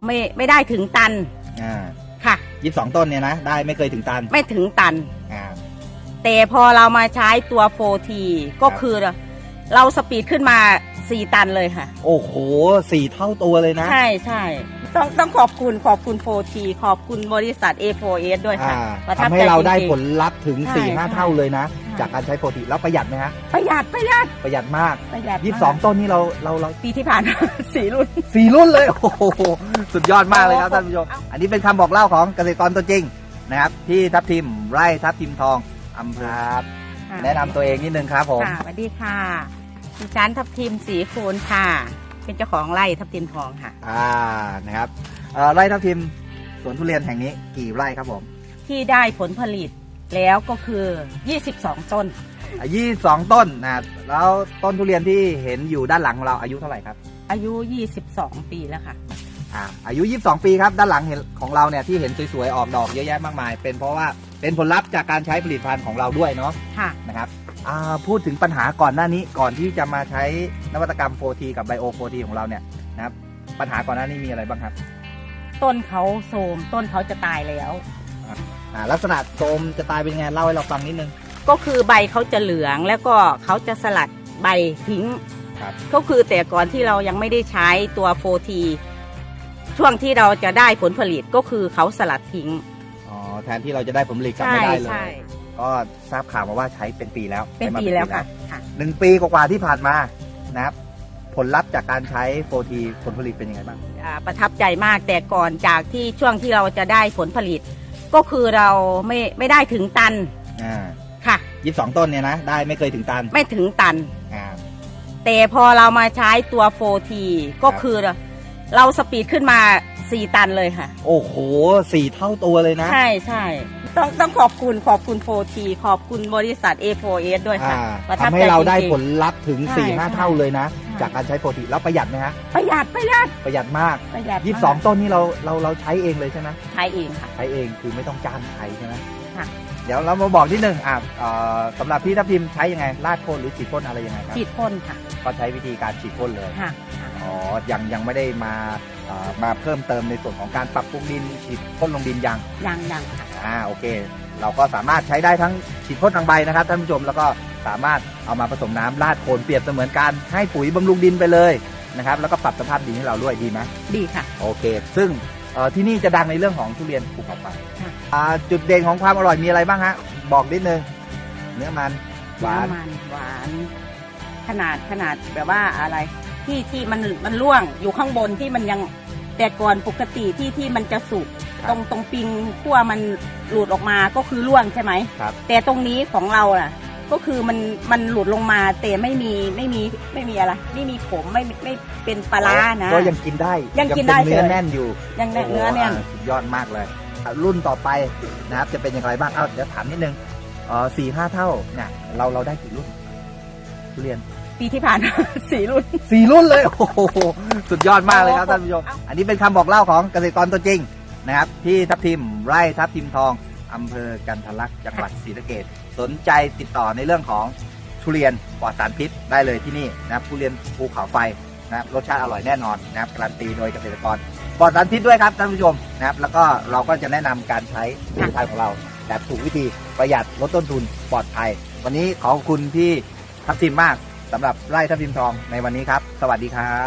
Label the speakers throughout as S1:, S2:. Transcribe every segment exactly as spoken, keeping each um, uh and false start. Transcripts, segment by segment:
S1: ไม่ไม่ได้ถึงตัน
S2: อ่า
S1: ค่ะ
S2: ยี่สิบสองต้นเนี่ยนะได้ไม่เคยถึงตัน
S1: ไม่ถึงตัน
S2: อ่า
S1: แต่พอเรามาใช้ตัว โฟร์ที ก็คือเราสปีดขึ้นมาสี่ตันเลยค่ะ
S2: โอ้โหสี่เท่าตัวเลยนะ
S1: ใช่ใช่ต้องต้องขอบคุณขอบคุณ โฟร์ที ขอบคุณบริษัท เอ โฟร์ เอส ด้วยค่ะ
S2: ทำให้เราได้ผลลัพธ์ถึง สี่ห้า เท่าเลยนะจากการใช้ โฟร์ที แล้วประหยัดไหมฮะ
S1: ประหยัดประหยัด
S2: ประหยัดมากยี่สิบสองต้นนี่เราเราเรา
S1: ปีที่ผ่านสี่รุ่น
S2: สี่รุ่นเลยโอ้โหสุดยอดมากเลยครับท่านผู้ชมอันนี้เป็นคำบอกเล่าของเกษตรกรตัวจริงนะครับที่ทับทิมไร่ทับทิมทองอำเภอแนะนำตัวเองนิดนึงครับผม
S1: สวัสดีค่ะดิฉันทับทิมศรีคูณค่ะเป็นเจ้าของไร่ทับทิมทองค่ะ
S2: อ่านะครับไร่ทับทิมสวนทุเรียนแห่งนี้กี่ไร่ครับผม
S1: ที่ได้ผลผลิตแล้วก็คือยี่สิบสองต้น
S2: ยี่สิบสองต้นนะแล้วต้นทุเรียนที่เห็นอยู่ด้านหลังของเราอายุเท่าไหร่ครับ
S1: อายุยี่สิบสองปีแล้วค่ะ
S2: อ่าอายุยี่สิบสองปีครับด้านหลังเห็นของเราเนี่ยที่เห็นสวยๆออกดอกเยอะแยะมากมายเป็นเพราะว่าเป็นผลลัพธ์จากการใช้ผลิตภัณฑ์ของเราด้วยเนาะ
S1: ค่ะ
S2: นะครับพูดถึงปัญหาก่อนหน้านี้ก่อนที่จะมาใช้นวัตกรรม โฟร์ที กับไบโอ โฟร์ที ของเราเนี่ยนะครับปัญหาก่อนหน้านี้มีอะไรบ้างครับ
S1: ต้นเขาโทรมต้นเขาจะตายแล้ว
S2: อ่าลักษณะโทรมจะตายเป็นไงเล่าให้เราฟังนิดนึง
S1: ก็คือใบเขาจะเหลืองแล้วก็เขาจะสลัดใบทิ้งก็คือแต่ก่อนที่เรายังไม่ได้ใช้ตัว โฟร์ที ช่วงที่เราจะได้ผลผลิตก็คือเขาสลัดทิ้ง
S2: อ๋อแทนที่เราจะได้ผลผลิตกลับไม่ได้เลยก็ทราบข่าวมาว่าใช้เป็นปีแล้ว
S1: เป็นปีแล้วค่ะ
S2: หนึ่งปีกว่าที่ผ่านมานะครับผลลัพธ์จากการใช้ โฟร์ที ผลผลิตเป็นยังไงบ้าง
S1: ประทับใจมากแต่ก่อนจากที่ช่วงที่เราจะได้ผลผลิตก็คือเราไม่ไม่ได้ถึงตัน
S2: อ่า
S1: ค่ะ
S2: ยี่สิบสองต้นเนี่ยนะได้ไม่เคยถึงตัน
S1: ไม่ถึงตัน
S2: อ่า
S1: แต่พอเรามาใช้ตัว โฟร์ที ก็คือเราสปีดขึ้นมาสี่ตันเลยค่ะ
S2: โอ้โหสี่เท่าตัวเลยนะ
S1: ใช่ใช่ต้องต้องขอบคุณขอบคุณ โฟร์ที ขอบคุณบริษัท เอ โฟร์ เอส ด้วยค่ะ
S2: ทำให้เราได้ผลลัพธ์ถึง สี่ห้า เท่าเลยนะจากการใช้ โฟร์ที แล้วประหยัดไหมฮะ
S1: ประหยัดประหยัด
S2: ประหยัดมากยี่สิบสองต้นนี่เราเราเราใช้เองเลยใช่ไหม
S1: ใช้เองค่ะ
S2: ใช้เองคือไม่ต้องจ้างใครใช่ไหม
S1: ค่ะ
S2: เดี๋ยวเรามาบอกที่หนึ่งอ่าสำหรับพี่ทับทิมใช้ยังไงราดพ่นหรือฉีดพ่นอะไรยังไงครับ
S1: ฉีดพ่นค่ะ
S2: ก็ใช้วิธีการฉีดพ่นเลย
S1: ค่ะ
S2: อ๋อยังยังไม่ได้มามาเพิ่มเติมในส่วนของการปรับปรุงดินฉีดพ่นลงดินยัง
S1: ยังยังค่ะ
S2: อ่าโอเคเราก็สามารถใช้ได้ทั้งฉีดพ่นทางใบนะครับท่านผู้ชมแล้วก็สามารถเอามาผสมน้ำราดโคนเปรียบเสมือนการให้ปุ๋ยบำรุงดินไปเลยนะครับแล้วก็ปรับสภาพดินให้เราด้วยดีไหม
S1: ดีค่ะ
S2: โอเคซึ่งที่นี่จะดังในเรื่องของทุเรียนภูเขาไฟจุดเด่นของความอร่อยมีอะไรบ้างฮะบอกนิดนึงเนื้อมัน
S1: หวานมันหวานขนาดขนาดแบบว่าอะไรที่ที่มันมันร่วงอยู่ข้างบนที่มันยังแต่ก่อนปกติที่ที่มันจะสุกตรงตรงปิงขั้วมันหลุดออกมาก็คือร่วงใช่ไหม
S2: ครับ
S1: แต่ตรงนี้ของเราอ่ะก็คือมันมันหลุดลงมาแต่ไม่มีไม่มีไม่มีอะไรไม่มีผมไม่ไม่เป็นปลานะ
S2: ก็ยังกินได้
S1: ยังกินได้
S2: เนื้อแน่นอยู่
S1: ยังเนื้อแน่น
S2: สุดยอดมากเลยรุ่นต่อไปนะครับจะเป็นอย่างไรบ้างเอ้าเดี๋ยวถามนิดนึงอ๋อสี่ห้าเท่าเนี่ยเราเราได้กี่รุ่นทุเรียน
S1: ปีที่ผ่านสี่รุ่น
S2: สี่รุ่นเลยโอ้โหสุดยอดมากเลยครับท่านผู้ชมอันนี้เป็นคำบอกเล่าของเกษตรกรตัวจริงนะครับที่ทับทิมไร่ทับทิมทองอำเภอกันทรลักษณ์จังหวัดศรีสะเกษสนใจติดต่อในเรื่องของทุเรียนปลอดสารพิษได้เลยที่นี่นะครับทุเรียนภูเขาไฟนะครับรสชาติอร่อยแน่นอนนะครับการันตีโดยเกษตรกรปลอดสารพิษด้วยครับท่านผู้ชมนะครับแล้วก็เราก็จะแนะนำการใช้ผลิตภัณฑ์ของเราแบบถูกวิธีประหยัดลดต้นทุนปลอดภัยวันนี้ขอบคุณพี่ทับทิมมากสำหรับไร่ทับทิมทองในวันนี้ครับสวัสดีครับ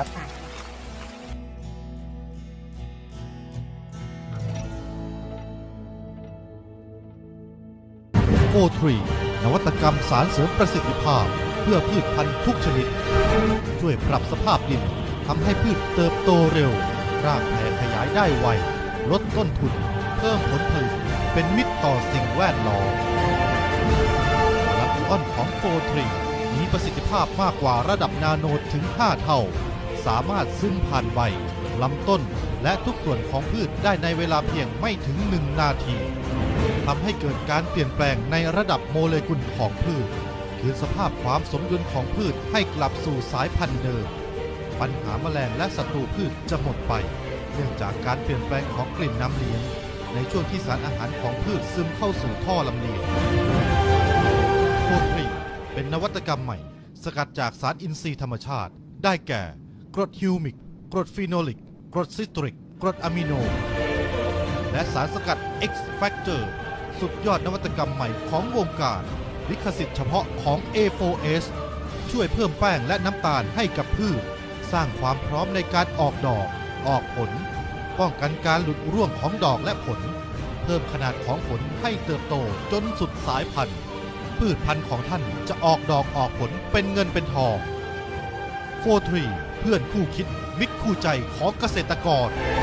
S3: โฟร์ที นวัตกรรมสารเสริมประสิทธิภาพเพื่อพืชพันธุ์ทุกชนิดช่วยปรับสภาพดินทำให้พืชเติบโตเร็วรากแผ่ขยายได้ไวลดต้นทุนเพิ่มผลผลิตเป็นมิตรต่อสิ่งแวดล้อมลำต้นของ โฟร์ที มีประสิทธิภาพมากกว่าระดับนาโนถึงห้าเท่าสามารถซึมผ่านใบลำต้นและทุกส่วนของพืชได้ในเวลาเพียงไม่ถึงหนึ่งนาทีทำให้เกิดการเปลี่ยนแปลงในระดับโมเลกุลของพืชคืนสภาพความสมดุลของพืชให้กลับสู่สายพันธุ์เดิมปัญหาแมลงและศัตรูพืชจะหมดไปเนื่องจากการเปลี่ยนแปลงของกลิ่นน้ำเลี้ยงในช่วงที่สารอาหารของพืชซึมเข้าสู่ท่อลำเลียง โฟร์ที เป็นนวัตกรรมใหม่สกัดจากสารอินทรีย์ธรรมชาติได้แก่กรดฮิวมิกกรดฟีโนลิกกรดซิตริกกรดอะมิโน และสารสกัด X Factor สุดยอดนวัตกรรมใหม่ของวงการลิขสิทธิ์เฉพาะของ เอ โฟร์ เอส ช่วยเพิ่มแป้งและน้ำตาลให้กับพืชสร้างความพร้อมในการออกดอกออกผลป้องกันการหลุดร่วงของดอกและผลเพิ่มขนาดของผลให้เติบโตจนสุดสายพันธุ์พืชพันธุ์ของท่านจะออกดอกออกผลเป็นเงินเป็นทอง โฟร์ ทรี เพื่อนคู่คิดมิตรคู่ใจของเกษตรกร